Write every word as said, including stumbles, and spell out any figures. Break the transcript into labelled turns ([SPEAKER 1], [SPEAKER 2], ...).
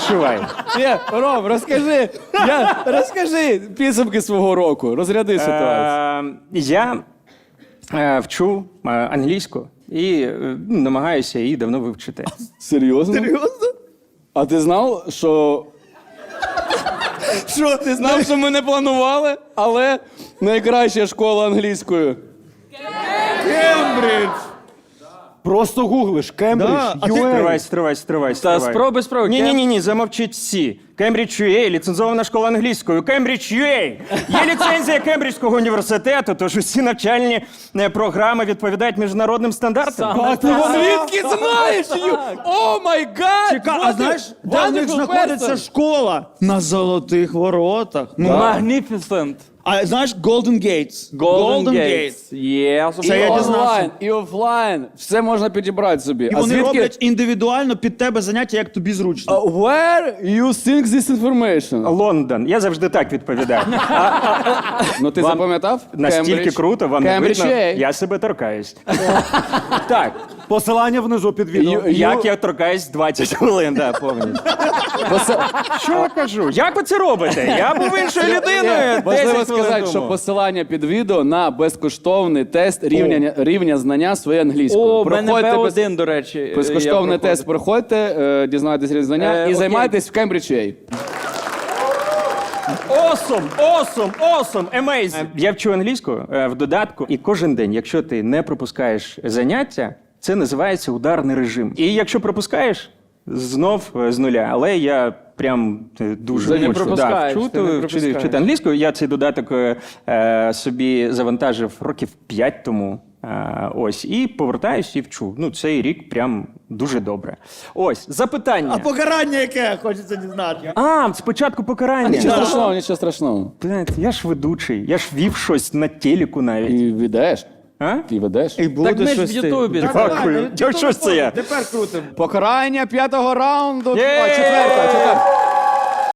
[SPEAKER 1] відчувай.
[SPEAKER 2] Ні, Ром, розкажи, я, розкажи підсумки свого року, розряди ситуацію.
[SPEAKER 1] Е, я е, вчу е, англійську і е, ну, намагаюся її давно вивчити.
[SPEAKER 2] Серйозно?
[SPEAKER 3] Серйозно?
[SPEAKER 2] А ти знав, що... Що? Ти знав, що ми не планували, але найкраща школа англійської.
[SPEAKER 3] Кембридж!
[SPEAKER 4] Просто гуглиш Кембридж,
[SPEAKER 3] Да, а ти-
[SPEAKER 4] ю ей.
[SPEAKER 1] Стривай, стривай, стривай, стривай.
[SPEAKER 2] спробуй, спробуй.
[SPEAKER 1] Ні, ні, ні, ні, замовчіть всі. Кембридж ю ей, ліцензована школа англійської. Кембридж ю ей. Є ліцензія Кембриджського університету, тож усі навчальні е, програми відповідають міжнародним стандартам.
[SPEAKER 4] А ти
[SPEAKER 2] Звідки знаєш? Ю- О май гад!
[SPEAKER 3] Чекай, а знаєш, де в них знаходиться школа? На Золотих Воротах. Ну,
[SPEAKER 4] Magnificent.
[SPEAKER 3] а знаєш, Golden Gates.
[SPEAKER 4] Golden Gates. Yes.
[SPEAKER 3] Це
[SPEAKER 2] І
[SPEAKER 3] я дізнався.
[SPEAKER 2] онлайн, і офлайн. Все можна підібрати собі.
[SPEAKER 3] І
[SPEAKER 2] А
[SPEAKER 3] вони
[SPEAKER 2] звідки...
[SPEAKER 3] роблять індивідуально під тебе заняття, як тобі зручно.
[SPEAKER 2] Uh, Where you think this information?
[SPEAKER 1] Лондон. Я завжди так відповідаю.
[SPEAKER 2] Ну ти
[SPEAKER 1] Вам
[SPEAKER 2] запам'ятав?
[SPEAKER 1] Настільки
[SPEAKER 2] Кембридж.
[SPEAKER 1] круто, вам не
[SPEAKER 2] Кембридж
[SPEAKER 1] видно?
[SPEAKER 2] ю ей.
[SPEAKER 1] Я себе торкаюсь. Так,
[SPEAKER 4] Посилання внизу під відео.
[SPEAKER 2] Ю-
[SPEAKER 1] як я торкаюсь двадцять хвилин, да, повністю. Що я кажу? Як ви це робите? Я був іншою людиною.
[SPEAKER 2] Важливо
[SPEAKER 1] десять хвилин
[SPEAKER 2] сказати, що
[SPEAKER 1] тому.
[SPEAKER 2] посилання під відео на безкоштовний тест рівня, рівня знання своєї англійської.
[SPEAKER 4] О, в мене
[SPEAKER 2] Проходьте
[SPEAKER 4] Б
[SPEAKER 2] без-
[SPEAKER 4] один, до речі.
[SPEAKER 2] Безкоштовний
[SPEAKER 4] я
[SPEAKER 2] тест проходьте, е, дізнавайтесь рівень знання
[SPEAKER 4] Е,
[SPEAKER 2] і
[SPEAKER 4] окей.
[SPEAKER 2] займайтесь в Кембридж ю ей.
[SPEAKER 1] Awesome, awesome, awesome, amazing. Я вчу англійську е, в додатку, і кожен день, якщо ти не пропускаєш заняття, це називається ударний режим. І якщо пропускаєш, знов е, з нуля. Але я прям е, дуже
[SPEAKER 2] Ти не
[SPEAKER 1] хочу
[SPEAKER 2] пропускаєш,
[SPEAKER 1] вчути,
[SPEAKER 2] ти не
[SPEAKER 1] вчити,
[SPEAKER 2] пропускаєш.
[SPEAKER 1] вчити англійську. Я цей додаток е, е, собі завантажив років п'ять тому. Е, ось, і повертаюсь і вчу. Ну, цей рік прям дуже добре. Ось, запитання.
[SPEAKER 3] А покарання яке? Хочеться дізнати.
[SPEAKER 1] А, спочатку покарання.
[SPEAKER 2] Нічого страшного, нічого страшного.
[SPEAKER 1] Блядь, я ж ведучий, я ж вів щось на телеку навіть.
[SPEAKER 2] І ведеш.
[SPEAKER 1] А?
[SPEAKER 2] І ведеш.
[SPEAKER 3] І буде
[SPEAKER 4] Так ми ж
[SPEAKER 3] щось
[SPEAKER 4] в Ютубі.
[SPEAKER 3] ти.
[SPEAKER 1] Дякую. Чого що ж це я?
[SPEAKER 3] Тепер крутим.
[SPEAKER 2] Покарання п'ятого раунду.
[SPEAKER 1] Є!
[SPEAKER 2] О, четверта, четверта.